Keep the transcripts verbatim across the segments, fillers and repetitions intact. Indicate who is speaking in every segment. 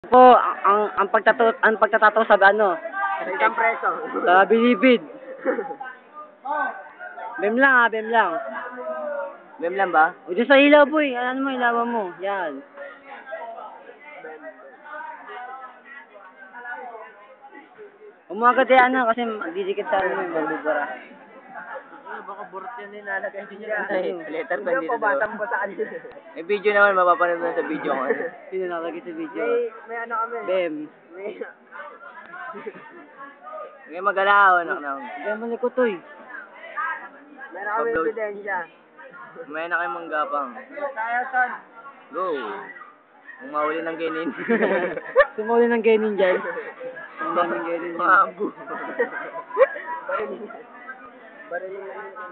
Speaker 1: Po, ang ang, ang pagtatato ang pagtatato sa ano?
Speaker 2: Isang preso.
Speaker 1: Sa bilibid. Bem lang ah, bem lang.
Speaker 2: Mem lang ba?
Speaker 1: O dyan sa ilaw boy, ano mo, ilawan mo. Yan. Umagat yan ano, kasi didikit sa ano, magbubara.
Speaker 2: Ano, baka burot yan din nalagay din yan.
Speaker 1: Ay,
Speaker 2: Letter pa dito. Batang pa sa kanila. May video naman, mapapanood na sa video ko.
Speaker 1: Sino nakalagay sa video?
Speaker 2: May, may ano kami.
Speaker 1: Bem.
Speaker 2: May... May magalaw, anak na.
Speaker 1: Bem malikot to eh.
Speaker 2: Meron kami ebidensya. May na kayong manggapang. Tayo, son. Go. Kung mahuli ng genin.
Speaker 1: Sumuli ng genin dyan. Ang daming genin dyan.
Speaker 2: Mabu. Bariling.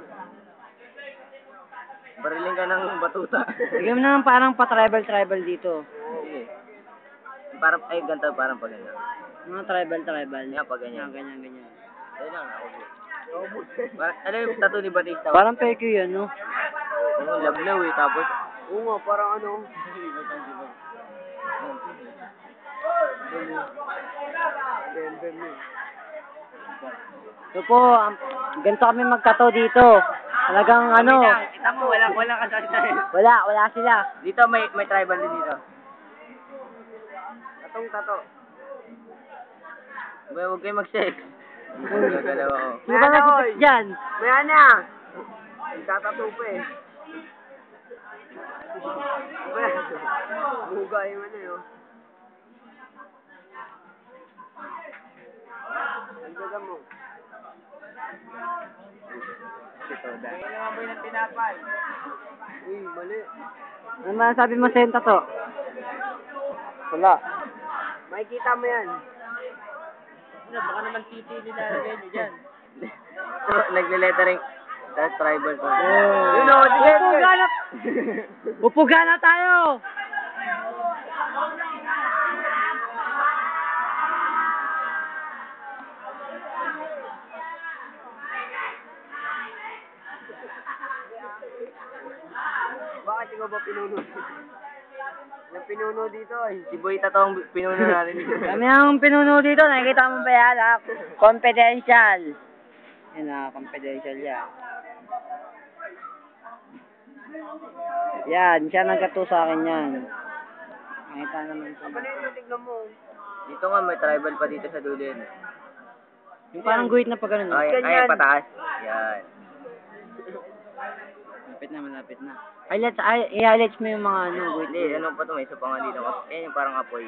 Speaker 2: Bariling ka ng batuta.
Speaker 1: Bigyan mo naman parang pa-tribal-tribal dito.
Speaker 2: Sige. Parang, ay, ganito, parang pag ganyan.
Speaker 1: Mga tribal-tribal.
Speaker 2: Yan, pag ganyan.
Speaker 1: Yan, ganyan, ganyan.
Speaker 2: Ayun lang, naubos. Parang, alam yung tattoo ni Batista?
Speaker 1: Parang peke yan, no?
Speaker 2: Oo, lablaw eh, tapos... Oo nga, parang ano...
Speaker 1: So po, um, ganito kami magkato dito. Talagang ano...
Speaker 2: Kita mo, wala, wala ka sa
Speaker 1: Wala, wala sila.
Speaker 2: Dito, may may tribal din dito. Tatong tato. Huwag huwag kayo mag-sex. Gagalaw ako.
Speaker 1: Sino ba nag-sex dyan?
Speaker 2: May ana! Tatato pa eh. Buga yung ano yun. Ang gaga mo. Kaya naman ba yung tinapay? Uy, mali.
Speaker 1: Ano masasabi mo sa yung tato?
Speaker 2: Wala. Makikita mo yan. Ano, baka naman titi nilalagay nyo dyan. So, nagle-lettering. That's tribal to.
Speaker 1: Oh.
Speaker 2: You know, sige,
Speaker 1: Upo
Speaker 2: sige.
Speaker 1: gana! Upo gana tayo!
Speaker 2: Bakit ikaw ba pinuno? Yung pinuno dito ay si Boy Tato ang pinuno natin dito.
Speaker 1: Kami ang pinuno dito, nakikita mo ba yan? Ah? Confidential. Yan na, confidential yan. Yan, siya nagkato sa akin yan. Nakita naman sa...
Speaker 2: Tignan mo. Dito nga may tribal pa dito sa dulo yun.
Speaker 1: Yung parang guhit na pa ganun.
Speaker 2: Ay, ay, pataas. Yan.
Speaker 1: Malapit na, malapit na. Highlights, ay, i-highlights mo yung mga ano, guhit.
Speaker 2: Hindi, ano pa ito, may isa pa nga dito. Yan yung parang apoy.